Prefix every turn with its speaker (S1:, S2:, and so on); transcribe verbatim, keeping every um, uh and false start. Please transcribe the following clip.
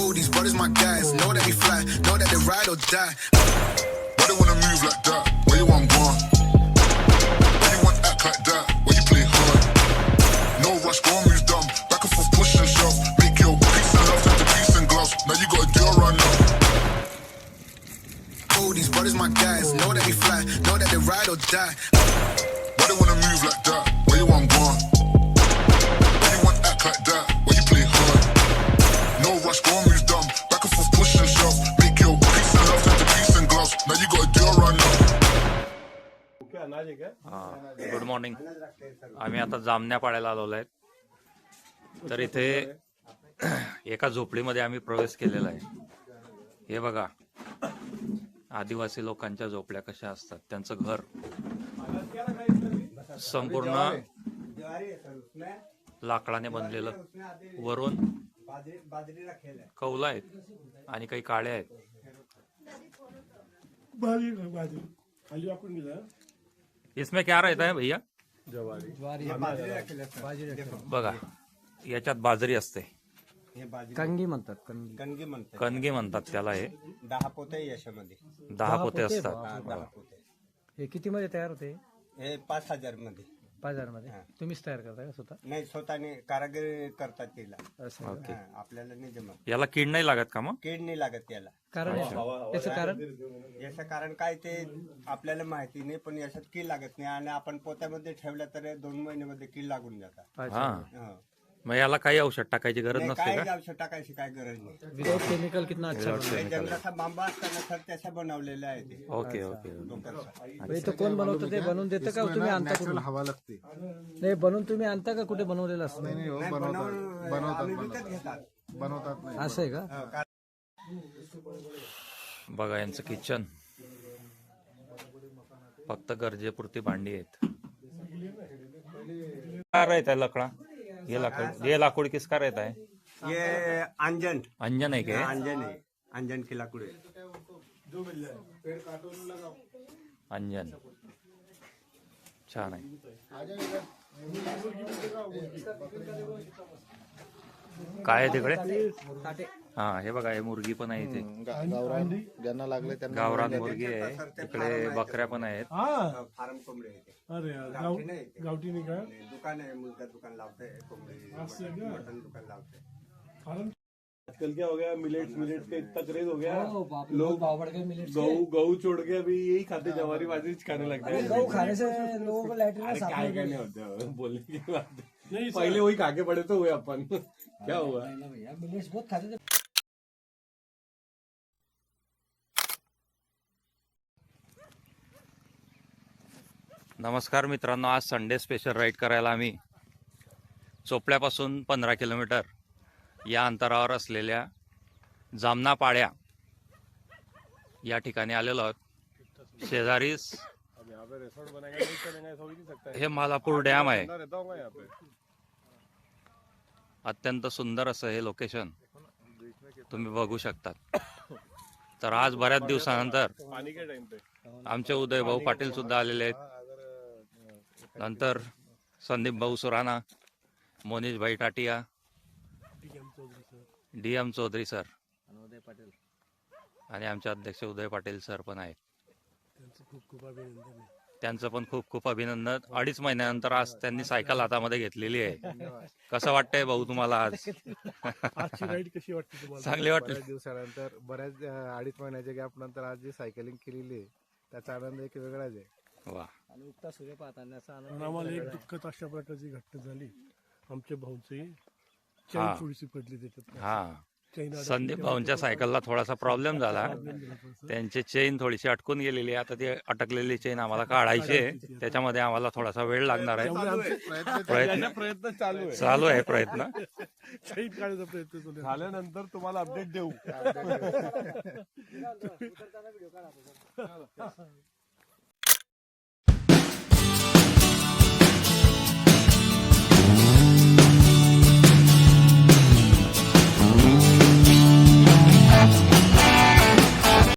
S1: Oh, these brothers my guys. Know that we fly, know that they ride or die. Why they wanna move like that? Where you want gone? Why you want act like that? Why you play hard? No rush, go and move dumb. Back and forth, push and shove. Make your peace and love turn to peace and gloves. Now you got a deal right now. Oh, these brothers my guys. Know that we fly, know that they ride or die. Why they wanna move like that? Where you want gone? Why you want act like that? Why you play hard? No rush, go and move dumb. Back and forth, push and shove. Make your peace and love turn to peace and gloves. Now you got a deal right now.
S2: Good morning. आम्ही आता जामण्या पाड्याला आलेलो आहे. तर इथे एका झोपडीमध्ये आम्ही प्रवेश केलेला आहे. हे बघा, आदिवासी लोकांच्या झोपड्या कशा असतात. त्यांचं घर संपूर्ण लाकडाने बनलेलं, वरून कौल आहेत आणि काही काळ्या आहेत. इसमें क्या रहता है भैया? बघा, याच्यात बाजरी असते.
S3: कणगी म्हणतात. कणगी
S4: कणगी म्हणतात.
S2: कणगी म्हणतात त्याला. हे
S4: दहा पोते याच्यामध्ये
S2: दहा पोते असतात.
S4: दहा पोते.
S3: हे किती मध्ये तयार होते?
S4: हे पाच हजार मध्ये.
S3: पाच हजार मध्ये तुम्हीच तयार करता का स्वतः?
S4: नाही, स्वतःने कारागीर करतात तिला.
S3: असं
S2: ओके.
S4: हा, आपल्याला नाही जमत.
S2: याला कीड नाही लागत का मग?
S4: कीड नाही लागत त्याला.
S3: कारण याचं कारण
S4: याचं कारण काय ते आपल्याला माहिती नाही, पण याच्यात कीड लागत नाही. आणि आपण पोत्यामध्ये ठेवलं तर दोन महिन्यामध्ये कीड लागून जातात.
S2: हा,
S4: हो.
S2: मग याला काही औषध टाकायची गरज
S4: नाही,
S2: नसते
S4: काय
S2: का?
S4: औषध टाकायची काय गरज नाही.
S3: विदाउट केमिकल कितना अच्छा बनवलं.
S4: हे जंगलाचा बांबा असताना सर त्याच्या बनवलेलं आहे ते.
S2: Okay okay.
S4: डोक्याचं.
S3: इथं कोण बनवतं? ते बनवून देतं का तुम्ही आणता कुठून?
S5: हवा लागते.
S3: नाही, बनवून तुम्ही आणता का कुठे बनवलेलं असतं?
S5: नाही हो,
S4: नाही,
S5: बनवतात
S4: बनवून आम्ही विकत घेतात.
S5: बनवतात नाही.
S3: असं आहे का?
S4: हो, का-
S2: बघा, यांचं किचन फक्त गरजेपुरती भांडी आहेत. काय रहता है लकड़ा? ये लाकूड, ये लाकूड किसका रहता है?
S4: ये अंजन
S2: अंजन है क्या?
S4: अंजन है. अंजन की लाकूड है.
S2: अंजन छान आहे. काय आहे तिकडे? हा, हे बघा, हे मुर्गी पण आहे इथे.
S5: गावरान ज्यांना लागले त्यांना
S2: गावरान मुर्गी आहे. इकडे बकऱ्या पण आहेत.
S4: फार्म कोंबडे आहे ते.
S6: अरे
S4: गावठी नाही ते.
S6: गावठी नाही का?
S4: आणि दुकान आहे, मुलगा दुकान लावते कोंबडी, मटन मटन दुकान लावते.
S6: आजकल क्या हो गया, मिलेट्स मिलेट्स का इतना क्रेज हो गया,
S3: लोग बावड़ के मिलेट्स
S6: गऊ गऊ छोड़ के अभी यही खाते, जवारी बाजरी खाने लगते हैं.
S3: गऊ खाने से लोगों को लैट्रिन में
S6: अरे
S3: साफ
S6: काय
S3: नहीं
S6: काय
S3: करते.
S6: नहीं होते हो, बोलने की बात नहीं. पहले वही खा के पड़े तो हुए अपन. क्या हुआ?
S3: ना भैया, मिलेट्स बहुत खाते थे.
S2: नमस्कार मित्रांनो, आज संडे स्पेशल राईड करायला आम्ही चोपड्यापासून पंधरा किलोमीटर या अंतरावर असलेल्या जामना पाड्या या ठिकाणी आलेलो आहोत. शेजारीच हे मालापूर डॅम आहे. अत्यंत सुंदर असं हे लोकेशन तुम्ही बघू शकतात. तर आज बऱ्याच दिवसानंतर आमचे उदय भाऊ पाटील सुद्धा आलेले आहेत. नंतर संदीप भाऊ सुराणा, मोनीश भाई Tatia, D M Chaudhari sir आणि आमचे अध्यक्ष उदय पाटील सर पण आहेत. त्यांचं पण खूप खूप अभिनंदन. अडीच महिन्यानंतर आज त्यांनी सायकल हातामध्ये घेतलेली आहे. कसं वाटतंय भाऊ तुम्हाला आज?
S6: राईड कशी वाटते तुम्हाला?
S2: चांगली वाटली.
S5: बऱ्याच दिवसानंतर, बऱ्याच अं, अडीच महिन्याच्या गॅप नंतर आज जी सायकलिंग केलेली आहे त्याचा आनंद एक वेगळाच आहे.
S2: वा,
S3: आणि उगता सूर्य पाहतानाचा आनंद.
S6: आम्हाला एक दुःखद अशा प्रकारची घटना झाली. आमच्या भाऊची
S2: हा.
S6: चैन थोडीशी पडली त्याच्यात.
S2: हा,
S6: चैन अडकली.
S2: संदीप भाऊंच्या सायकलला थोडासा प्रॉब्लेम झाला. त्यांची चेन थोडीशी अटकून गेलेली आहे. आता ती अटकलेली चेन आम्हाला काढायची आहे. त्याच्यामध्ये आम्हाला थोडासा वेळ लागणार आहे. प्रयत्न
S6: प्रयत्न चालू आहे.
S2: चालू आहे प्रयत्न.
S6: चैन काढायचा प्रयत्न चालू आहे. झाल्यानंतर तुम्हाला अपडेट देऊ.